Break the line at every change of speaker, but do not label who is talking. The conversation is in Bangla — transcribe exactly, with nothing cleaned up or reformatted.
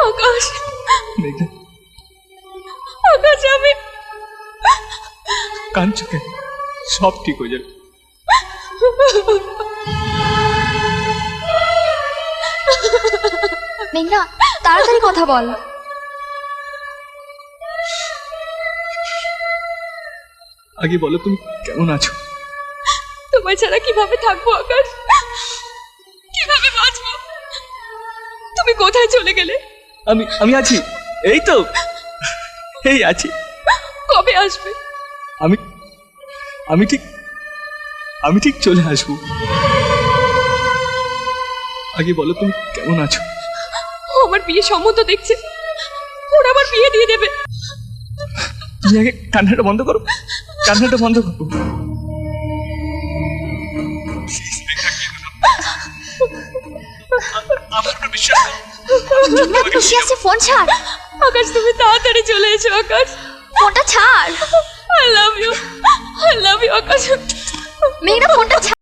আকাশ
মেঘা,
আকাশ আমি
কাঁদছো কেন? সব ঠিক হয়ে যাবে।
মেঘনা, তাড়াতাড়ি কথা বল।
আগে বলো তুমি কেমন আছো?
তোমায় ছাড়া কিভাবে থাকবো আকাশ, কিভাবে বাঁচবো? তুমি কোথায় চলে গেলে?
আমি আমি আছি, এই তো এই আছি।
কবে আসবে?
আমি আমি ঠিক আমি ঠিক চলে আসবো। আগে বলো তুমি কেমন আছো?
ও আমার বিয়ে সম্মত দেখছে, ওরা আমার বিয়ে দিয়ে দেবে।
তুমি আগে কান্নাটা বন্ধ করো, কান্নাটা বন্ধ করো। আমার উপর বিশ্বাস করো।
মেঘনা, খুশি আছে, ফোন ছাড়।
আকাশ তুমি তাড়াতাড়ি চলে এসো আকাশ,
ফোনটা ছাড়।
I love you, I love you Akash.
মেঘনা, ফোনটা ছাড়।